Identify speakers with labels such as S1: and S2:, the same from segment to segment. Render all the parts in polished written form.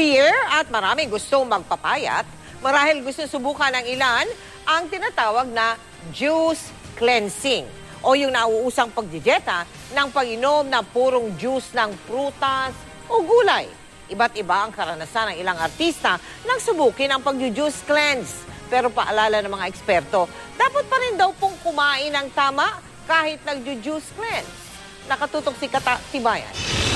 S1: Year at maraming gustong magpapayat. Marahil gusto subukan ng ilan ang tinatawag na juice cleansing o yung nauusang pagdijeta ng pag-inom ng purong juice ng prutas o gulay. Iba't iba ang karanasan ng ilang artista nang subukin ang pag-juice cleanse. Pero paalala ng mga eksperto, dapat pa rin daw pong kumain ng tama kahit nag-juice cleanse. Nakatutok si Tibayan.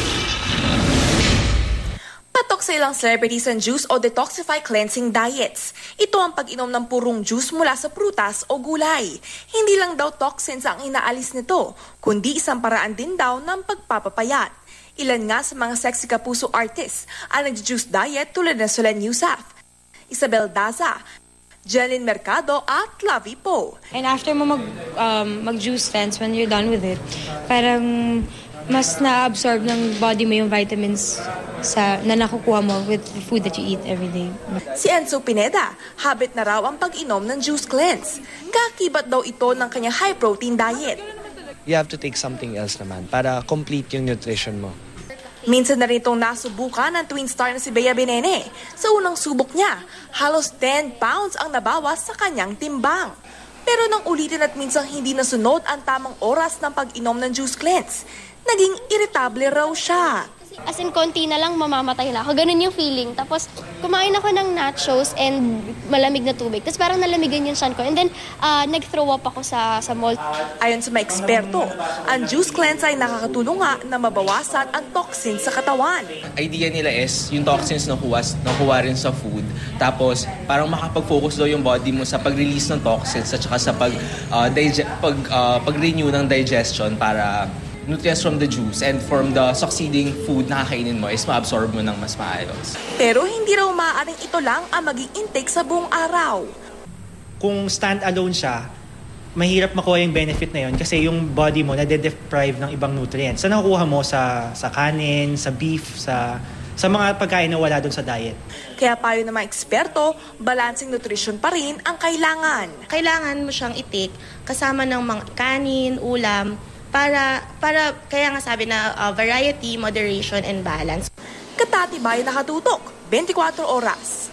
S2: Patok sa ilang celebrities ang juice o detoxify cleansing diets. Ito ang pag-inom ng purong juice mula sa prutas o gulay. Hindi lang daw toxins ang inaalis nito, kundi isang paraan din daw ng pagpapapayat. Ilan nga sa mga sexy kapuso artists ang nag-juice diet tulad ng Solen Yusuf, Isabel Daza, Jeline Mercado at Lavi Po.
S3: And after mo mag-juice cleanse, when you're done with it, parang mas na-absorb ng body mo yung vitamins na nakukuha mo with the food that you eat every day.
S2: Si Enzo Pineda, habit na raw ang pag-inom ng juice cleanse. Kakibat daw ito ng kanyang high-protein diet.
S4: You have to take something else naman para complete yung nutrition mo.
S2: Minsan na rin itong nasubukan ng twin star na si Bea Benene. Sa unang subok niya, halos 10 pounds ang nabawas sa kanyang timbang. Pero nang ulitin at minsang hindi nasunod ang tamang oras ng pag-inom ng juice cleanse, naging irritable raw siya.
S5: As in, konti na lang, mamamatay na ako. Ganun yung feeling. Tapos, kumain ako ng nachos and malamig na tubig. Tapos parang nalamigan yung tiyan ko. And then, nag-throw up ako sa mall.
S2: Ayon sa mga eksperto, ang juice cleanse ay nakakatulong nga na mabawasan ang toxins sa katawan.
S6: Idea nila is yung toxins nakuha rin sa food. Tapos, parang makapag-focus daw yung body mo sa pag-release ng toxins at saka sa pag-renew ng digestion para nutrients from the juice and from the succeeding food na kakainin mo is ma-absorb mo ng mas maayos.
S2: Pero hindi raw maaaring ito lang ang maging intake sa buong araw.
S7: Kung stand-alone siya, mahirap makuha yung benefit na yun kasi yung body mo nade-deprive ng ibang nutrients. So nakukuha mo sa kanin, sa beef, sa mga pagkain na wala doon sa diet.
S2: Kaya payo ng mga eksperto, balancing nutrition pa rin ang kailangan.
S8: Kailangan mo siyang i-take kasama ng mga kanin, ulam, para kaya nga sabi na variety, moderation, and balance.
S2: Katatibay nakatutok, 24 oras.